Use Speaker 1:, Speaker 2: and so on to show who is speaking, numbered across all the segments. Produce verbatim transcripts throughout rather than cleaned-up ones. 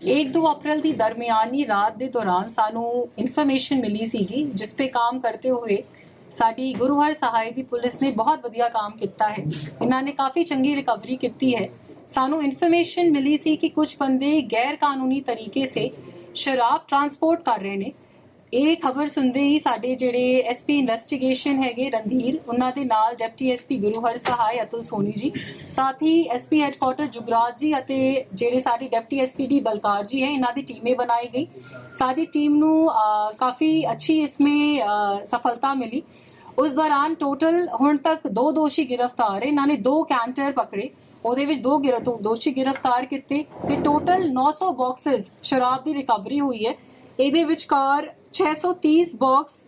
Speaker 1: एक दो अप्रैल की दरमियानी रात के दौरान सानू इन्फॉर्मेशन मिली सीगी जिस पे काम करते हुए साडी गुरु हर सहाय दी पुलिस ने बहुत वधिया काम किया है। इन्होंने काफ़ी चंगी रिकवरी की है। सानू इन्फॉर्मेशन मिली सी कि कुछ बंदे गैर कानूनी तरीके से शराब ट्रांसपोर्ट कर रहे हैं। ये खबर सुनते ही साडे जिहड़े एस पी इन्वेस्टिगेशन है रणधीर उन्हां दे नाल डिप्टी एस पी गुरु हर सहाय अतुल सोनी जी, साथ ही S P headquarter Jugraj ji अते जिहड़े साडी deputy S P D Balkar ji है, इन्हां दी टीमें बनाई गई। साडी टीम नू काफ़ी अच्छी इसमें आ, सफलता मिली। उस दौरान टोटल हुण तक दो दोषी गिरफ्तार है। इन्होंने दो कैंटर पकड़े, ਉਹਦੇ ਵਿੱਚ ਦੋ गिर दोषी गिरफ्तार किए ਤੇ टोटल नौ सौ बॉक्सेस शराब की रिकवरी हुई है। ਇਹਦੇ ਵਿਚਕਾਰ छह सौ तीस बॉक्स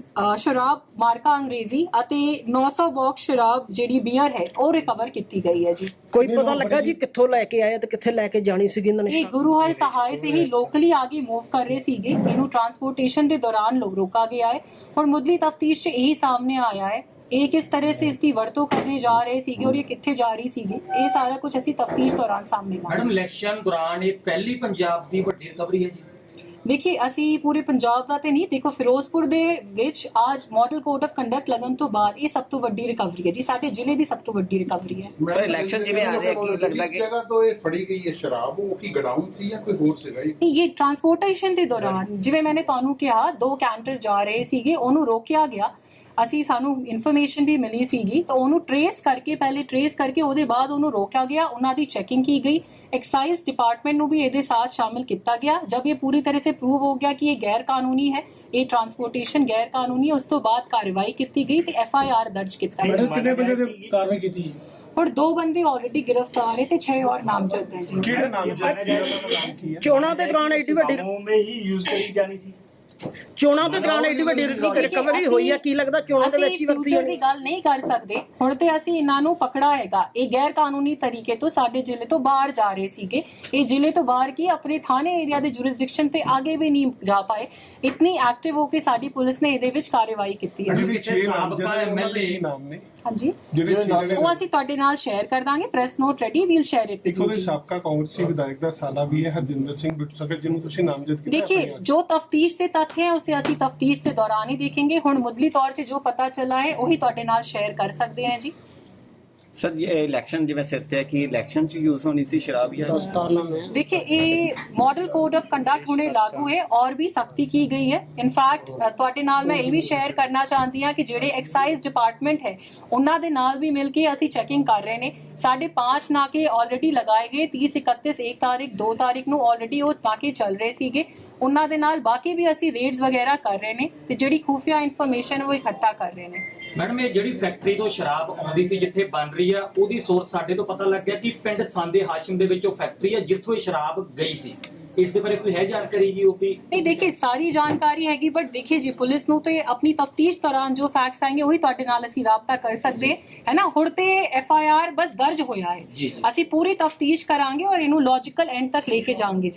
Speaker 1: शराब मार्का अंग्रेजी ਅਤੇ नौ सौ बॉक्स शराब ਜਿਹੜੀ ਬੀਅਰ ਹੈ ਉਹ ਰਿਕਵਰ ਕੀਤੀ ਗਈ ਹੈ ਜੀ।
Speaker 2: ਕੋਈ ਪਤਾ ਲੱਗਾ ਜੀ ਕਿੱਥੋਂ ਲੈ ਕੇ ਆਏ ਤੇ ਕਿੱਥੇ ਲੈ ਕੇ ਜਾਣੀ ਸੀਗੀ ਇਹਨਾਂ ਨੇ?
Speaker 1: ਇਹ ਗੁਰੂ ਹਰ ਸਹਾय से ही लोकली आगे मूव कर रहे ਸੀਗੇ। ਇਹਨੂੰ ट्रांसपोर्टेशन ਦੇ दौरान रोका गया है। ਹੁਣ ਮੁੱਢਲੀ ਤਫਤੀਸ਼ 'ਚ ਇਹੀ ਸਾਹਮਣੇ ਆਇਆ है ਇਹ किस तरह से इसकी वरतों करने जा रहे सीगे और ये कित्थे जा रही सीगी। ये सारा कुछ असी तफ्तीश दौरान सामने लाया।
Speaker 3: मैडम इलेक्शन दौरान ये पहली पंजाब दी वड्डी रिकवरी है जी।
Speaker 1: देखिए असी पूरे पंजाब दा ते नहीं, देखो फिरोजपुर दे विच आज मॉडल कोड ऑफ कंडक्ट लगन तो बाद ये सब तो वड्डी रिकवरी है जी। साडे जिले दी सब तो वड्डी रिकवरी है।
Speaker 4: सर इलेक्शन जिवें आ रहा है की लगदा कि
Speaker 5: जगह तो ये फड़ी गई है शराब वो की गोडाउन सी या कोई होर सीगा जी?
Speaker 1: ये ट्रांसपोर्टेशन दे दौरान जिवें मैंने तुहानू कहा दो कैंटर जा रहे सीगे, ओनू रोकिया गया। ਅਸੀਂ ਸਾਨੂੰ ਇਨਫੋਰਮੇਸ਼ਨ ਵੀ ਮਿਲੀ ਸੀਗੀ ਤਾਂ ਉਹਨੂੰ ਟਰੇਸ ਕਰਕੇ ਪਹਿਲੇ ਟਰੇਸ ਕਰਕੇ ਉਹਦੇ ਬਾਅਦ ਉਹਨੂੰ ਰੋਕਿਆ ਗਿਆ, ਉਹਨਾਂ ਦੀ ਚੈਕਿੰਗ की गई। एक्साइज डिपार्टमेंट ਨੂੰ भी ਇਹਦੇ साथ शामिल किया गया। जब ये पूरी तरह से प्रूव हो गया कि ये गैर कानूनी है, ये ट्रांसपोर्टेशन गैर कानूनी है, उस तो बाद कार्रवाई की गई तो एफ आई आर दर्ज किया
Speaker 6: मैडम कितने बंदे ते कार्रवाई की थी?
Speaker 1: और दो बंदे ऑलरेडी गिरफ्तार है तो छह और नामजद हैं जी।
Speaker 6: किहड़े नामजद?
Speaker 2: ਚੋਣਾਂ ਦੇ ਦੌਰਾਨ ਐਡੀ ਵੱਡੀ
Speaker 6: में ही यूज करी जानी थी।
Speaker 2: ਚੋਣਾਂ ਦੇ ਦੌਰਾਨ ਐਡੀ ਵੱਡੀ ਰਿਕਵਰੀ ਹੋਈ ਹੈ, ਕੀ ਲੱਗਦਾ ਚੋਣਾਂ ਦੇ ਵਿੱਚ ਹੀ ਵਰਤੀ
Speaker 1: ਫਿਊਚਰ ਦੀ ਗੱਲ ਨਹੀਂ ਕਰ ਸਕਦੇ। ਹੁਣ ਤੇ ਅਸੀਂ ਇਹਨਾਂ ਨੂੰ ਪਕੜਾ ਹੈਗਾ। ਇਹ ਗੈਰ ਕਾਨੂੰਨੀ ਤਰੀਕੇ ਤੋਂ ਸਾਡੇ ਜ਼ਿਲ੍ਹੇ ਤੋਂ ਬਾਹਰ ਜਾ ਰਹੇ ਸੀਗੇ। ਇਹ ਜ਼ਿਲ੍ਹੇ ਤੋਂ ਬਾਹਰ ਕੀ ਆਪਣੇ ਥਾਣੇ ਏਰੀਆ ਦੇ ਜੁਰਿਸਡਿਕਸ਼ਨ ਤੇ ਅੱਗੇ ਵੀ ਨਹੀਂ ਜਾ ਪਾਏ। ਇਤਨੀ ਐਕਟਿਵ ਹੋ ਕੇ ਸਾਡੀ ਪੁਲਿਸ ਨੇ ਇਹਦੇ ਵਿੱਚ ਕਾਰਵਾਈ ਕੀਤੀ ਹੈ।
Speaker 6: ਜਿਹੜੇ ਛੇ ਸਾਬਕਾ ਐਮ ਐਲ ਏ ਨਾਮ ਨੇ
Speaker 1: ਹਾਂਜੀ
Speaker 6: ਜਿਹੜੇ
Speaker 1: ਉਹ ਅਸੀਂ ਤੁਹਾਡੇ ਨਾਲ ਸ਼ੇਅਰ ਕਰ ਦਾਂਗੇ। Press note ready, we'll share it
Speaker 6: ਇੱਕ ਉਹਦੇ ਸਾਬਕਾ ਕਾਂਗਰਸੀ ਵਿਧਾਇਕ ਦਾ ਸਾਲਾ ਵੀ ਹੈ ਹਰਜਿੰਦਰ ਸਿੰਘ ਬਿੱਟੂ ਸਖਤ, ਜਿਹਨੂੰ ਤੁਸੀਂ ਨਾਮਜ਼ਦ ਕੀਤਾ।
Speaker 1: देखिए जो तफ्तीश के तथ्य हैं उसे ਅਸੀਂ तफ्तीश के दौरान ही देखेंगे। हुण मुੱਢਲੀ तौर से जो पता चला है वही ਤੁਹਾਡੇ ਨਾਲ शेयर कर सकते हैं जी।
Speaker 4: सर ये इलेक्शन जिवें सिर ते है कि इलेक्शन च यूज होनी सी शराब या
Speaker 1: देखिए ये मॉडल कोड ऑफ कंडक्ट हुणे लागू है और भी सख्ती की गई है। इनफैक्ट ਤੁਹਾਡੇ ਨਾਲ मैं ये भी शेयर करना चाहती हाँ कि ਜਿਹੜੇ एक्साइज डिपार्टमेंट है ਉਹਨਾਂ ਦੇ ਨਾਲ भी मिल के ਅਸੀਂ चेकिंग कर रहे हैं। साढ़े पाँच नाके ऑलरेडी लगाए गए, तीस इकतीस एक तारीख दो तारीख ਨੂੰ ऑलरेडी वो नाके चल रहे ਸੀਗੇ। ਉਹਨਾਂ ਦੇ ਨਾਲ ਬਾਕੀ ਵੀ ਅਸੀਂ ਰੇਡਸ ਵਗੈਰਾ ਕਰ ਰਹੇ ਨੇ ਤੇ ਜਿਹੜੀ ਖੂਫੀਆ ਇਨਫੋਰਮੇਸ਼ਨ ਉਹ ਇਕੱਠਾ ਕਰ ਰਹੇ ਨੇ।
Speaker 3: ਮੈਡਮ ਇਹ ਜਿਹੜੀ ਫੈਕਟਰੀ ਤੋਂ ਸ਼ਰਾਬ ਆਉਂਦੀ ਸੀ ਜਿੱਥੇ ਬਣ ਰਹੀ ਆ ਉਹਦੀ ਸੋਰਸ ਸਾਡੇ ਤੋਂ ਪਤਾ ਲੱਗ ਗਿਆ ਕਿ ਪਿੰਡ ਸਾਂਦੇ ਹਾਸ਼ਮ ਦੇ ਵਿੱਚ ਉਹ ਫੈਕਟਰੀ ਆ ਜਿੱਥੋਂ ਇਹ ਸ਼ਰਾਬ ਗਈ ਸੀ। ਇਸ ਦੇ ਬਾਰੇ ਕੋਈ ਹੈ ਜਾਣਕਾਰੀ ਜੀ ਉਹਦੀ?
Speaker 1: नहीं देखिए सारी जानकारी हैगी, बट देखिए जी पुलिस ਨੂੰ ਤੇ ਆਪਣੀ ਤਫਤੀਸ਼ ਦੌਰਾਨ ਜੋ ਫੈਕਟਸ ਆएंगे ਉਹੀ ਤੁਹਾਡੇ ਨਾਲ ਅਸੀਂ ਰਾਬਤਾ ਕਰ ਸਕਦੇ ਹੈ ਨਾ। ਹੁਣ ਤੇ ਐਫ ਆਈ ਆਰ ਬਸ ਦਰਜ ਹੋਇਆ ਹੈ, ਅਸੀਂ ਪੂਰੀ ਤਫਤੀਸ਼ ਕਰਾਂਗੇ ਔਰ ਇਹਨੂੰ ਲੌਜੀਕਲ ਐਂਡ ਤੱਕ ਲੈ ਕੇ ਜਾਵਾਂਗੇ।